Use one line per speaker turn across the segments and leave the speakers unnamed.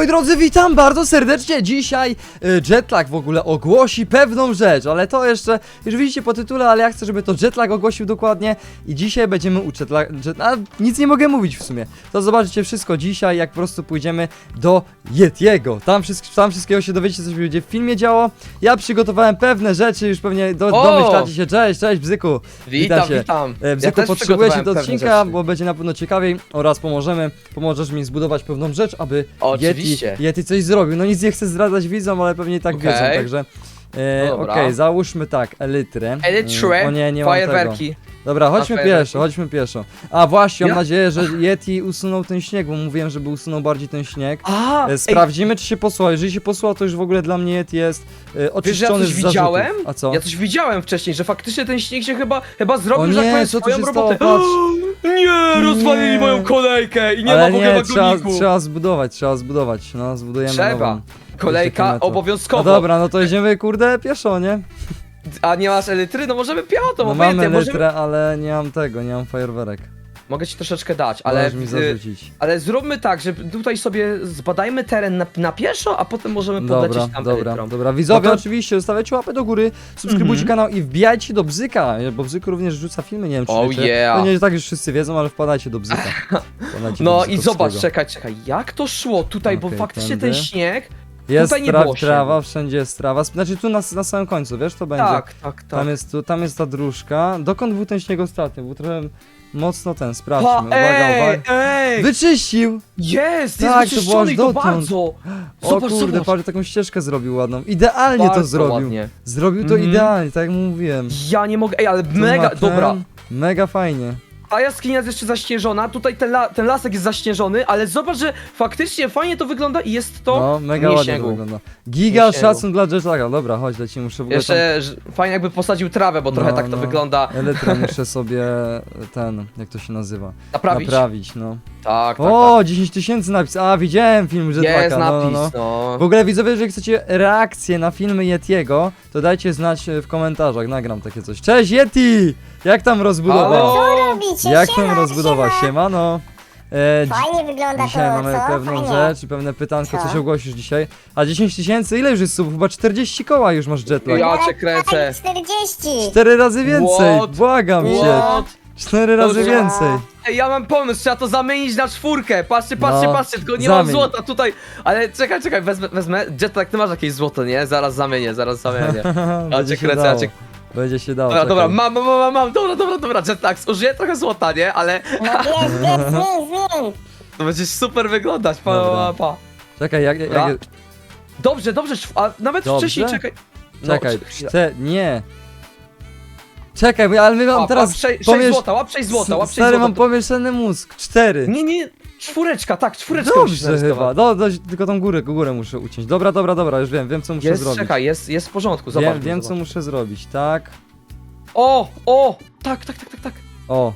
Moi drodzy, witam bardzo serdecznie. Dzisiaj Jetlag w ogóle ogłosi pewną rzecz, ale to jeszcze, już widzicie po tytule, ale ja chcę, żeby to Jetlag ogłosił dokładnie. I dzisiaj będziemy u nic nie mogę mówić w sumie. To zobaczycie wszystko dzisiaj, jak po prostu pójdziemy do Yetiego. Tam wszystkiego się dowiecie, co się będzie w filmie działo. Ja przygotowałem pewne rzeczy, już pewnie domyślacie się. Cześć Bzyku.
Witam.
Bzyku,
Ja
potrzebuję się do
pewne
odcinka,
rzeczy.
bo będzie na pewno ciekawiej oraz pomożesz mi zbudować pewną rzecz, aby
Oczywiście.
Yeti coś zrobił. No nic nie chcę zdradzać widzom, ale pewnie i tak wiedzą, także
No dobra.
okej, załóżmy tak, elytrę. O nie mam tego.
fajerwerki.
Dobra, chodźmy
fajerwerki.
pieszo. A właśnie, mam
Ja?
nadzieję, że Yeti usunął ten śnieg, bo mówiłem, żeby usunął bardziej ten śnieg.
A,
Sprawdzimy, czy się posłał. Jeżeli się posłał, to już w ogóle dla mnie Yeti jest
wiesz,
oczyszczony
ja coś
z zarzutów.
widziałem?
A co?
Ja coś widziałem wcześniej, że faktycznie ten śnieg się chyba zrobił,
O
że tak
nie,
powiem,
co tu
swoją
się stało?
robotę.
Patrz.
Nie, rozwalili
Nie.
moją kolejkę i nie
Ale
ma w ogóle
nie,
wagoniku.
trzeba zbudować. No, zbudujemy
Trzeba.
nową.
Kolejka
metro.
obowiązkowo.
No dobra, no to jedziemy kurde pieszo, nie?
A nie masz elitry? No możemy piechotą,
No
obojętnie,
mamy
możemy...
litrę, ale nie mam tego, nie mam fajerwerek.
Mogę ci troszeczkę dać, ale...
Możesz mi zarzucić.
Ale zróbmy tak, że tutaj sobie zbadajmy teren na pieszo, a potem możemy podlecieć tam elytrą.
Dobra, widzowie,
No to-
oczywiście, zostawiajcie łapę do góry, subskrybujcie kanał i wbijajcie do Bzyka, bo Bzyk również rzuca filmy, nie wiem czy
Oh
wiecie.
yeah.
No nie, tak już wszyscy wiedzą, ale wpadajcie do Bzyka. Wpadajcie do
No i
Bzykowskiego.
zobacz, czekaj, jak to szło tutaj, bo
Okej,
faktycznie
tędy.
ten śnieg...
Jest
tutaj nie było
trawa,
śniegu.
wszędzie jest trawa, znaczy tu na samym końcu, wiesz, to będzie.
Tak.
Tam jest ta dróżka. Dokąd był ten śnieg ostatnio? Był trochę mocno ten,
Pa,
sprawdźmy, uwaga.
ej!
Wyczyścił!
Jest
Tak, to było
wyczyszczony
aż
i to
dotąd.
bardzo!
O
Zobacz,
kurde,
zobacz.
patrz, taką ścieżkę zrobił ładną. Idealnie to
Bardzo
zrobił.
ładnie.
Zrobił to
Mhm.
idealnie, tak jak mówiłem.
Ja nie mogę, ale
Tu
mega,
ma ten,
dobra.
Mega fajnie.
Ta jaskinia jest jeszcze zaśnieżona, tutaj ten lasek jest zaśnieżony, ale zobacz, że faktycznie fajnie to wygląda i jest to
No, mega
nie
ładnie to
śniegu.
wygląda. Giga
Nie śniegu.
szacun dla Jetlaga. Dobra, chodź, lecimy, muszę w ogóle
Jeszcze fajnie jakby posadził trawę, bo trochę
No,
tak to
no.
wygląda.
Elytrę muszę sobie jak to się nazywa?
Naprawić.
No.
Tak.
O, 10 tysięcy napis. A, widziałem film Jetlaga.
Jest
no,
napis,
no.
no.
W ogóle widzowie, jeżeli chcecie reakcję na filmy Yetiego, to dajcie znać w komentarzach, nagram takie coś. Cześć Yeti! Jak tam rozbudowa?
Halo?
Co robicie?
Jak
Siema,
tam rozbudowa?
siema.
Siemano!
Fajnie wygląda
Dzisiaj
to,
mamy
co?
pewną
Fajnie.
rzecz i pewne pytanko,
Co?
coś ogłosisz dzisiaj. A 10 tysięcy, ile już jest subów? Chyba 40 koła już masz Jetlag.
Ja cię kręcę.
40.
4 razy więcej,
What?
błagam cię.
What?
4 razy
Dobrze.
więcej.
Ej, ja mam pomysł, trzeba to zamienić na 4. Patrzcie,
No,
tylko nie mam
zamień.
złota tutaj. Ale czekaj, wezmę. Jetlag, ty masz jakieś złoto, nie? Zaraz zamienię. Ja
Będzie
cię
się
kręcę,
dało. Będzie się dało.
Dobra,
czekaj.
mam, dobra, Jetlag, użyję trochę złota, nie? Ale
No bierz, zmień.
to będzie super wyglądać,
Dobra.
pa.
Czekaj,
Dobra. Dobrze, a nawet
Dobrze?
wcześniej, czekaj.
Czekaj,
No,
nie. Czekaj, ale my mam teraz...
Łap 6
pomiesz-
złota, łap 6 złota, łap 6
Stary,
złota.
mam pomieszany mózg. 4.
Nie, czwóreczka musisz
Dobrze
narysować.
chyba. Tylko tą górę muszę uciąć. Dobra, już wiem co muszę zrobić.
Czekaj, jest w porządku, zobacz.
Wiem co muszę zrobić, tak?
O, tak.
O,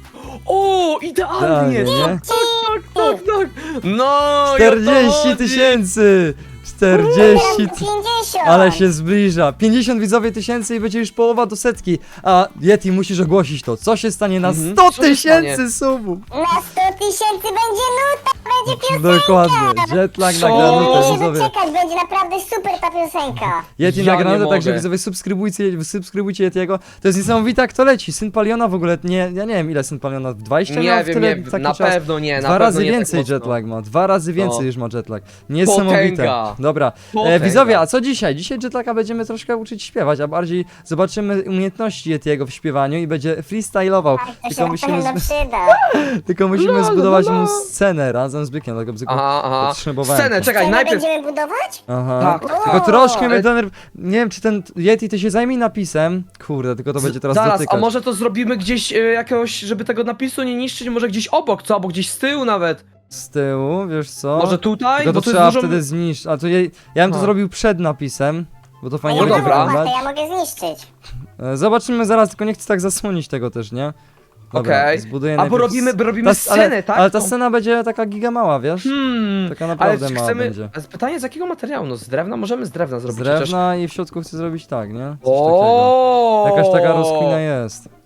O, idealnie!
idealnie, nie?
Tak. No,
40 tysięcy! 40
50.
Ale się zbliża. 50 widzowie tysięcy i będzie już połowa do setki. A Yeti, musisz ogłosić to. Co się stanie na 100
Co się stanie?
tysięcy subów?
Na 100 tysięcy będzie nuta, będzie piosenka.
Dokładnie. Jetlag
Co?
nagrany
Nie
to
mogę się
widzowie.
doczekać, będzie naprawdę super ta piosenka.
Yeti
Ja
nagrane,
nie
także
mogę.
widzowie subskrybujcie Yetiego. To jest niesamowite, kto leci. Syn Paliona w ogóle, ja nie wiem ile Syn Paliona, 20 miał
Nie
w
wiem,
tyle,
nie,
taki
na
czas.
pewno nie, na
Dwa
pewno
razy
nie
więcej
tak mocno.
Jetlag ma, 2 razy więcej
No.
już ma Jetlag. Niesamowite.
Potęga.
Dobra,
Potęga.
widzowie, a co dzisiaj? Dzisiaj Jetlaga będziemy troszkę uczyć śpiewać, a bardziej zobaczymy umiejętności Yetiego w śpiewaniu i będzie freestylował.
Tak, to się
Tylko
na
musimy,
pewno przyda.
tylko musimy zbudować mu scenę razem z Bykiem, dlatego Bzyku
Aha.
podtrzymywałem
Scenę,
to.
czekaj,
Scenę
najpierw...
będziemy budować?
Aha.
Tak.
Tylko troszkę mnie
Ale-
denerw... Nie wiem, czy ten Yeti, ty się zajmij napisem. Kurde, tylko to będzie teraz
Zaraz,
dotykać.
a może to zrobimy gdzieś jakiegoś, żeby tego napisu nie niszczyć, może gdzieś obok, co? Albo gdzieś z tyłu nawet.
Z tyłu, wiesz co?
Może tutaj?
Tylko
Bo
to
to
trzeba
jest dużo...
wtedy zniszczyć. A to ja bym to
A.
zrobił przed napisem, bo to
A
fajnie
ja
No
będzie
dobra.
mogę, to
wyglądać.
ja mogę zniszczyć.
Zobaczymy zaraz, tylko nie chcę tak zasłonić tego też, nie? Dobra,
Okej.
zbuduję
Albo
najpierw
robimy scenę, tak?
Ale ta scena będzie taka giga mała, wiesz? Taka
ale
naprawdę
czy
mała
chcemy...
będzie.
A pytanie z jakiego materiału? No z drewna? Możemy z drewna
Z
zrobić. chociaż-
drewna i w środku chcę zrobić tak, nie? Coś takiego.
O.
Jakaś taka rozkmina jest.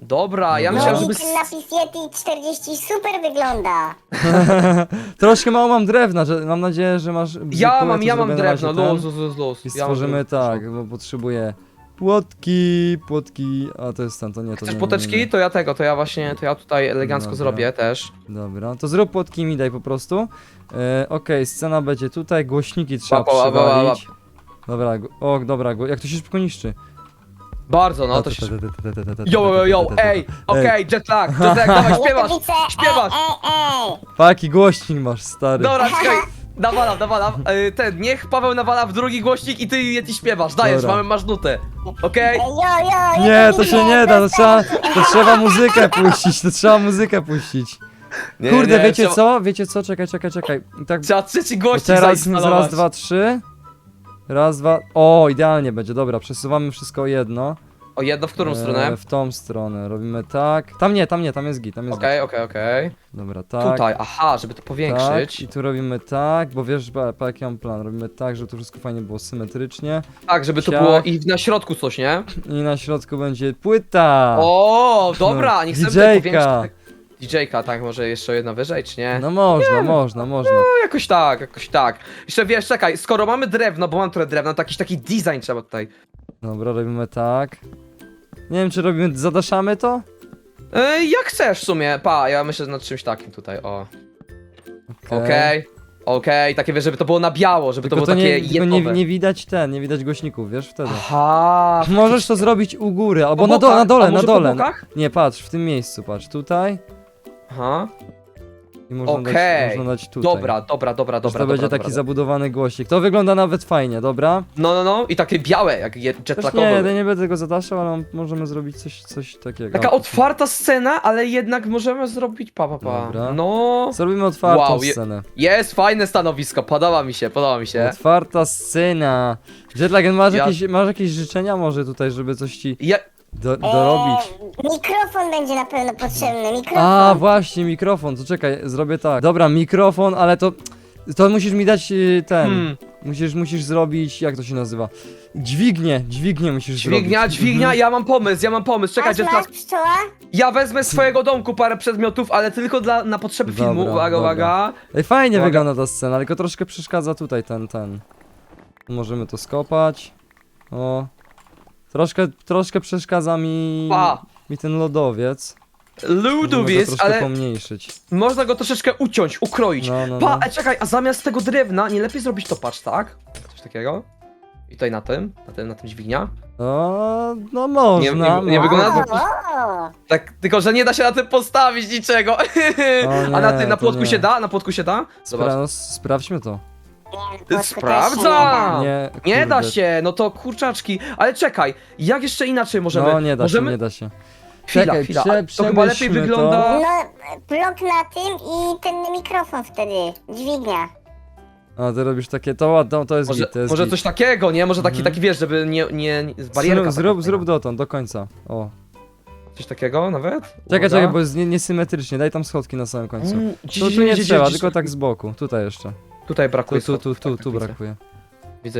Dobra, ja
Dobra.
myślałem,
No
żeby...
i ten napis Yeti 40 super wygląda.
Troszkę mało mam drewna, że mam nadzieję, że masz...
Ja mam
zrobię na
drewno,
razie ten.
luz.
I
Ja mam
stworzymy
drewno.
tak, bo potrzebuję płotki, a to jest ten, to nie, to
Chcesz
nie, nie,
poteczki?
nie, nie.
To ja właśnie, to ja tutaj elegancko
Dobra.
zrobię też.
Dobra, to zrób płotki i mi daj po prostu. Okej, scena będzie tutaj, głośniki trzeba
Łap, łap, łap, łap.
przywalić. Dobra, dobra, jak to się szybko niszczy.
Bardzo, no to się... Yo, ej, okej, jetlag, dawaj, śpiewasz,
Gotowice,
śpiewasz.
ej.
Paki głośnik masz, stary.
Dobra, czekaj, nawalam, niech Paweł nawala w drugi głośnik i ty Yeti śpiewasz, dajesz,
Dobra.
masz nutę, okej?
Jo,
Nie, to się nie da, to trzeba muzykę puścić,
Nie,
Kurde,
nie,
wiecie co, czekaj. I tak,
Trzeba trzeci
bo
głośnik
teraz
zainstalować.
raz, dwa, trzy. Raz, dwa, o, idealnie będzie, dobra, przesuwamy wszystko o jedno.
O, jedno w którą stronę?
W tą stronę, robimy tak. Tam jest git.
Okej.
Dobra, tak.
Tutaj, aha, żeby to
Tak,
powiększyć.
i tu robimy tak, bo wiesz, jaki mam plan, robimy tak, żeby to wszystko fajnie było symetrycznie
Tak, żeby to
Siak.
było i na środku coś, nie?
i na środku będzie płyta.
O, dobra, nie chcemy tutaj
DJ-ka.
powiększyć. DJ-ka, tak, może jeszcze jedna wyżej, czy nie?
No można.
No, jakoś tak. Jeszcze wiesz, czekaj, skoro mamy drewno, bo mam trochę drewna, to jakiś taki design trzeba tutaj.
Dobra, robimy tak. Nie wiem, czy zadaszamy to?
Jak chcesz w sumie, ja myślę nad czymś takim tutaj, o. Okej, takie wiesz, żeby to było na biało, żeby
Tylko
to było takie
tylko
jednowe.
nie widać nie widać głośników, wiesz, wtedy.
Aha.
Możesz to zrobić u góry, albo
Po
na
bokach?
dole,
A
na
może
dole.
po bokach?
Nie, patrz, w tym miejscu, patrz, tutaj
Aha.
i można dać tutaj.
Dobra.
Że to będzie taki zabudowany głośnik. To wygląda nawet fajnie, dobra?
No, i takie białe, jak
Też
jetlackowe.
nie będę tego zadaszał, ale możemy zrobić coś takiego.
Taka otwarta scena, ale jednak możemy zrobić
Dobra.
No.
Zrobimy otwartą
Wow,
scenę.
Jest fajne stanowisko, podoba mi się.
Otwarta scena. Jetlag,
Ja-
masz jakieś życzenia może tutaj, żeby coś ci
Ja...
dorobić?
Mikrofon będzie na pewno potrzebny, mikrofon.
A, właśnie, mikrofon, to czekaj, zrobię tak. Dobra, mikrofon, ale to musisz mi dać ten. Musisz zrobić, jak to się nazywa? Dźwignię musisz zrobić.
Dźwignia, ja mam pomysł, czekaj,
Masz,
Jetlag.
pszczoła?
Ja wezmę z swojego domku parę przedmiotów, ale tylko na potrzeby
Dobra,
filmu,
dobra.
uwaga.
Ej, fajnie
Uwaga.
wygląda ta scena, tylko troszkę przeszkadza tutaj ten. Możemy to skopać. O. Troszkę przeszkadza mi ten lodowiec. Możemy go
Ludowiec,
troszkę
ale
pomniejszyć.
można go troszeczkę uciąć, ukroić.
No.
Czekaj, a zamiast tego drewna nie lepiej zrobić to, patrz, tak? Coś takiego. I tutaj na tym dźwignia.
No można.
nie wygląda-
O,
Tak, tylko że nie da się na tym postawić niczego.
O
A na
nie,
tym, na
to
płotku
nie.
się da? Na płotku się da? Zobacz.
Sprawdźmy to.
nie,
Sprawdzam! Nie da
kurde.
się, no to kurczaczki. Ale czekaj, jak jeszcze inaczej możemy?
No nie da
możemy...
się, nie da się.
Chwila,
Czekaj,
chwila. To chyba lepiej
przemyślmy
wygląda.
No, blok na tym i ten mikrofon wtedy, dźwignia.
A ty robisz takie, to ładno, to jest
Może,
git, to jest
może
git.
coś takiego, nie? Może taki wiesz, żeby nie barierka.
Zrób dotąd, do końca. O.
Coś takiego nawet?
Czekaj, bo jest niesymetrycznie, daj tam schodki na samym końcu. Tu nie trzeba, tylko tak z boku, tutaj jeszcze.
Tutaj brakuje.
Tu brakuje.
Widzę.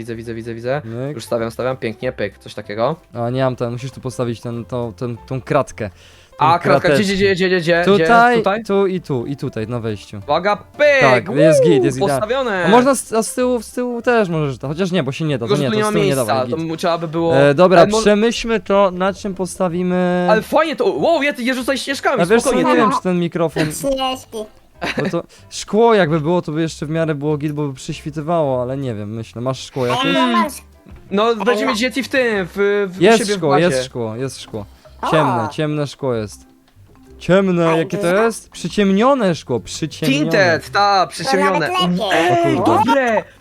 Myk.
Już stawiam, pięknie, pyk, coś takiego.
A nie mam musisz tu postawić tą kratkę. Tą
A, kratka,
krateczkę.
gdzie?
Tutaj,
Tutaj?
tu i tutaj, na wejściu.
Uwaga, pyk!
Tak, jest git, jest idealnie.
postawione!
A można z tyłu też możesz, chociaż nie, bo się nie da,
Tylko,
to
że
nie,
tu nie
to
ma
z tyłu nie
miejsca,
dawaj,
to
git.
trzeba by było...
Dobra,
Ale
przemyślmy to, na czym postawimy...
Ale fajnie to... Wow, je rzucaj ścieżkami,
A wiesz co,
spokojnie.
nie wiem, czy ten mikrofon,
Śnieżki.
bo to szkło jakby było, to by jeszcze w miarę było git, bo by przyświtywało, ale nie wiem, myślę, masz szkło
Ale
jakieś?
no masz...
No, będziemy mieć Yeti w tym, u
Jest
siebie w
szkło,
bazie.
jest szkło.
O.
Ciemne szkło jest. Ciemne,
A
jakie to
dużo?
jest? Przyciemnione szkło, przyciemnione.
Tinted, przyciemnione.
To nawet lepiej.
O kurde.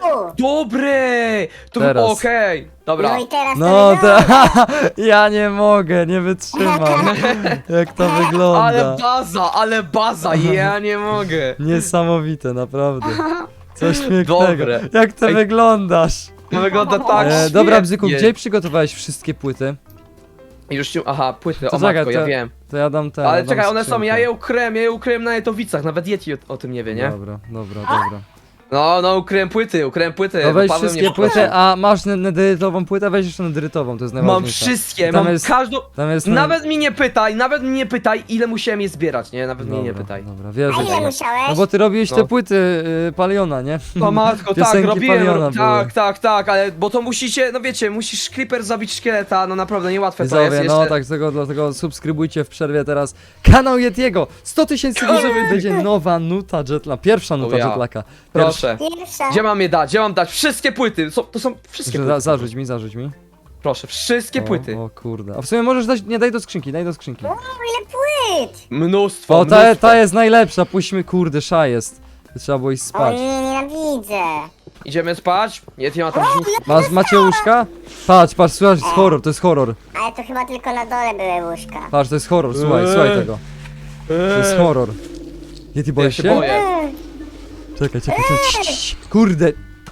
Dobre! To
Teraz.
okej, dobra.
No i teraz
No
to
to,
wygląda.
ja nie mogę, nie wytrzymam, jak to wygląda.
Ale baza, ja nie mogę.
Niesamowite, naprawdę. Coś pięknego.
Dobre.
Jak ty
Ej.
wyglądasz?
To wygląda tak
Dobra, Bzyku,
świetnie.
gdzie przygotowałeś wszystkie płyty?
Już ci... Aha, płyty,
To
o
czekaj,
matko, ja
to-
wiem.
To ja dam te.
Ale
ja dam
czekaj, one są,
skrzynkę.
ja je ukryłem na Jetowicach, nawet Yeti o tym nie wie, nie?
Dobra.
No, ukryłem płyty,
No weź
bo Paweł
wszystkie
mnie
płyty, a masz nederytową płytę, weź jeszcze nederytową, to jest
Mam
najważniejsze.
wszystkie,
Tam
mam
jest-
każdą...
Tam jest...
Nawet mnie nie pytaj, ile musiałem je zbierać, nie? Nawet mnie nie pytaj.
Dobra,
A
wierzę
ile
ci.
musiałeś?
No bo ty robiłeś
No.
te płyty Paliona, nie?
No matko, tak,
Piosenki
robiłem,
Paliona były.
tak, ale bo to musicie, no wiecie, musisz Creeper zabić szkieleta, no naprawdę niełatwe to jest
Widzowie,
jeszcze.
no tak, dlatego subskrybujcie w przerwie teraz kanał Yetiego. 100 tysięcy widzów i będzie nowa nuta Jetlaka, pierwsza nuta
ja.
Jetlaka.
Proszę.
Pierwsza.
Gdzie mam je dać? Gdzie mam dać? Wszystkie płyty, to są wszystkie płyty.
Zarzuć mi.
Proszę, wszystkie płyty.
O kurde. A w sumie możesz dać, nie daj do skrzynki.
O, ile płyt!
Mnóstwo,
O,
mnóstwo.
ta jest najlepsza, puśćmy, kurde, szajest. Trzeba było iść
O
spać.
nie, nienawidzę.
Idziemy spać? Nie ma tam
Macie łóżka? Patrz, słuchaj, to jest horror, to jest horror.
Ale to chyba tylko na dole były łóżka.
Patrz, to jest horror, słuchaj tego. To jest horror. Yeti,
Ja
boisz
się
się?
boję.
Czekaj. Cii. Kurde.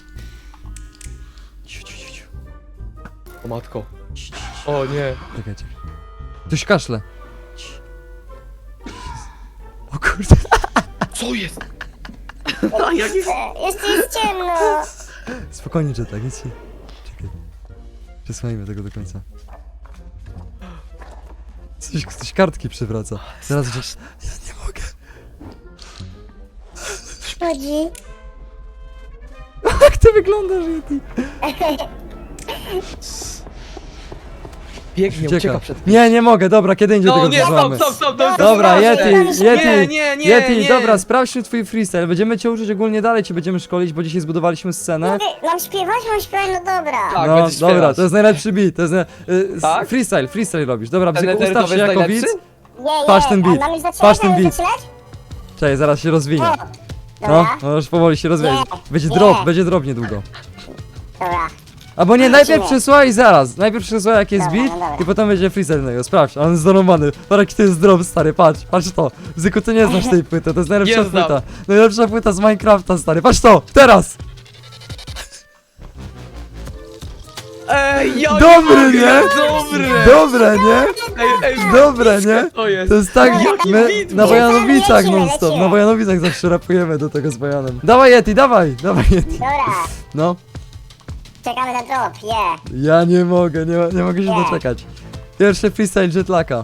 Ciu.
O matko. O nie.
Czekaj. Ktoś kaszle. Cii. O kurde.
Co jest?
Jeszcze jest ciemno.
Spokojnie, Jetlak, nic się... Czekaj. Przesłajmy tego do końca. Coś kartki przewraca. Zaraz, ja nie mogę.
Chodzi.
Jak ty wyglądasz, Yeti?
Biegnie, ucieka przed...
Nie mogę, dobra, kiedy indziej
No
tego
nie,
używamy.
stop, to jest
Dobra,
straszne.
Yeti,
Nie.
dobra, sprawdźmy twój freestyle. Będziemy cię uczyć ogólnie dalej, cię będziemy szkolić, bo dzisiaj zbudowaliśmy scenę.
Mam śpiewać, no dobra.
Tak,
No,
będziesz
dobra,
śpiewać.
to jest najlepszy beat, to jest
Tak?
freestyle robisz. Dobra,
Ten
bzyku, ustaw
eterytowy
się
jest
jako
najlepszy?
widz.
Nie,
Patrz ten beat,
a mamy zaczynać?
patrz ten
Mamy
beat.
zaczynać?
Czekaj, zaraz się rozwinie.
O,
No,
dobra,
już powoli się rozwinie. Będzie
Nie.
będzie drop niedługo.
dobra.
Albo nie, najpierw
Nie.
przysłaj zaraz. Najpierw przysłaj jak jest
Dobra,
beat
no dobra.
i potem będzie freestyle na niego. Sprawdź, on jest zdorowany. Patrz jaki to jest drop, stary, patrz to. Zyku, ty nie znasz tej płyty, to jest najlepsza
Nie znam.
płyta. Najlepsza płyta z Minecrafta, stary. Patrz to, teraz!
Ej, ja
Dobry,
mogę,
nie? Dobre, nie?
Ej,
Dobre, nie?
to jest.
To jest tak,
Jaki
my
beat,
na
bo-
Wojanowicach
Lecimy,
non stop,
lecimy.
na Wojanowicach zawsze rapujemy do tego z Wojanem. Dawaj Yeti, dawaj Yeti.
Dobra,
No,
czekamy na drop,
ja nie mogę, nie mogę się
Nie.
doczekać. Pierwszy freestyle Jetlaka.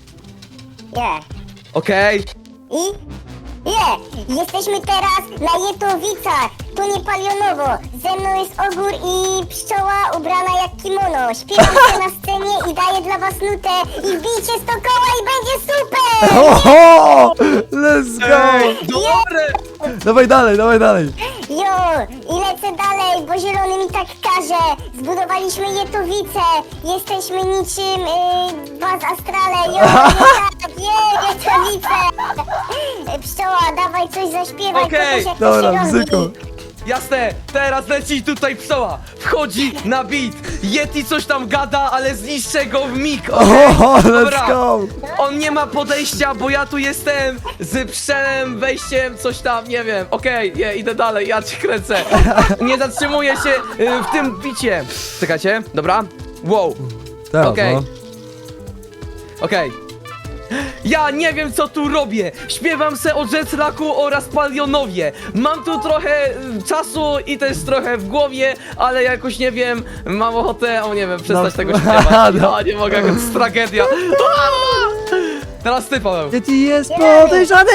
Okej.
I? Jesteśmy teraz na Jetowicach, tu nie Palionowo. Ze mną jest ogór i pszczoła ubrana jak kimono. Śpiewam się na scenie i daję dla was nutę. I wbijcie 100 koła i będzie super!
Oho! Let's go!
Ej, dobre!
Dawaj dalej.
Jo, i lecę dalej, bo zielony mi tak każe. Zbudowaliśmy Jetowice, jesteśmy niczym Baz Astrale. Jo, Jetowice! Pszczoła, dawaj coś zaśpiewaj,
Okej,
kogoś jak
Dobra,
to się robi.
bzyku.
Jasne, teraz leci tutaj psoła. Wchodzi na beat. Yeti coś tam gada, ale zniszczę go w mig.
Oho,
Dobra.
let's go!
On nie ma podejścia, bo ja tu jestem z pszczelem, wejściem, coś tam, nie wiem. Okej, idę dalej, ja cię kręcę. Nie zatrzymuję się w tym bicie. Czekajcie, dobra? Wow,
Teraz,
Okej.
no.
okej. Ja nie wiem co tu robię. Śpiewam se o Jetlaku oraz Palionowie. Mam tu trochę czasu i też trochę w głowie, ale jakoś nie wiem, mam ochotę, nie wiem, przestać
No.
tego śpiewać.
No.
Ja nie mogę, to jest tragedia. Aaa! Teraz ty, Paweł.
Yeti jest podejrzany!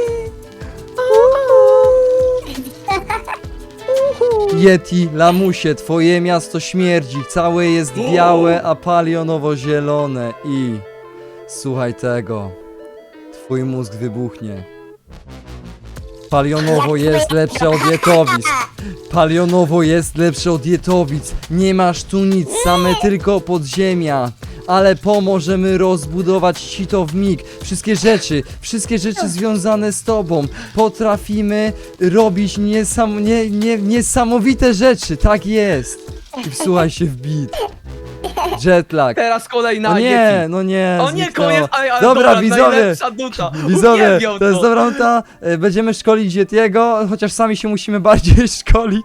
Yeti, lamusie, twoje miasto śmierdzi, całe jest białe, a palionowo-zielone i... Słuchaj twój mózg wybuchnie. Palionowo jest lepsze od Jetowic. Palionowo jest lepsze od Jetowic. Nie masz tu nic, same tylko podziemia. Ale pomożemy rozbudować ci to w mig. Wszystkie rzeczy związane z tobą. Potrafimy robić niesamowite rzeczy, tak jest. I wsłuchaj się w beat. Jetlag.
Teraz kolejna
No nie,
Yeti.
no nie.
O nie,
zniknęło.
koniec, ale
Dobra, widzowie.
najlepsza nuta.
Widzowie,
Uwielbiam
to jest dobra nuta. Będziemy szkolić Yetiego, chociaż sami się musimy bardziej szkolić.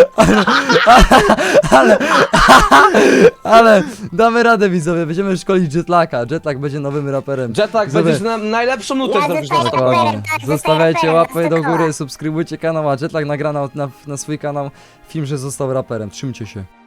Ale damy radę, widzowie. Będziemy szkolić Jetlaka. Jetlag będzie nowym raperem.
Jetlag,
Widzowie,
będziesz na najlepszą nutę
Ja
zrobisz
zostaję
na kanale.
raperem.
dokładnie.
tak,
Zostawiajcie
zostaję
łapę
raperem,
do góry,
dookoła.
subskrybujcie kanał, a Jetlag nagra na swój kanał film, że został raperem. Trzymcie się.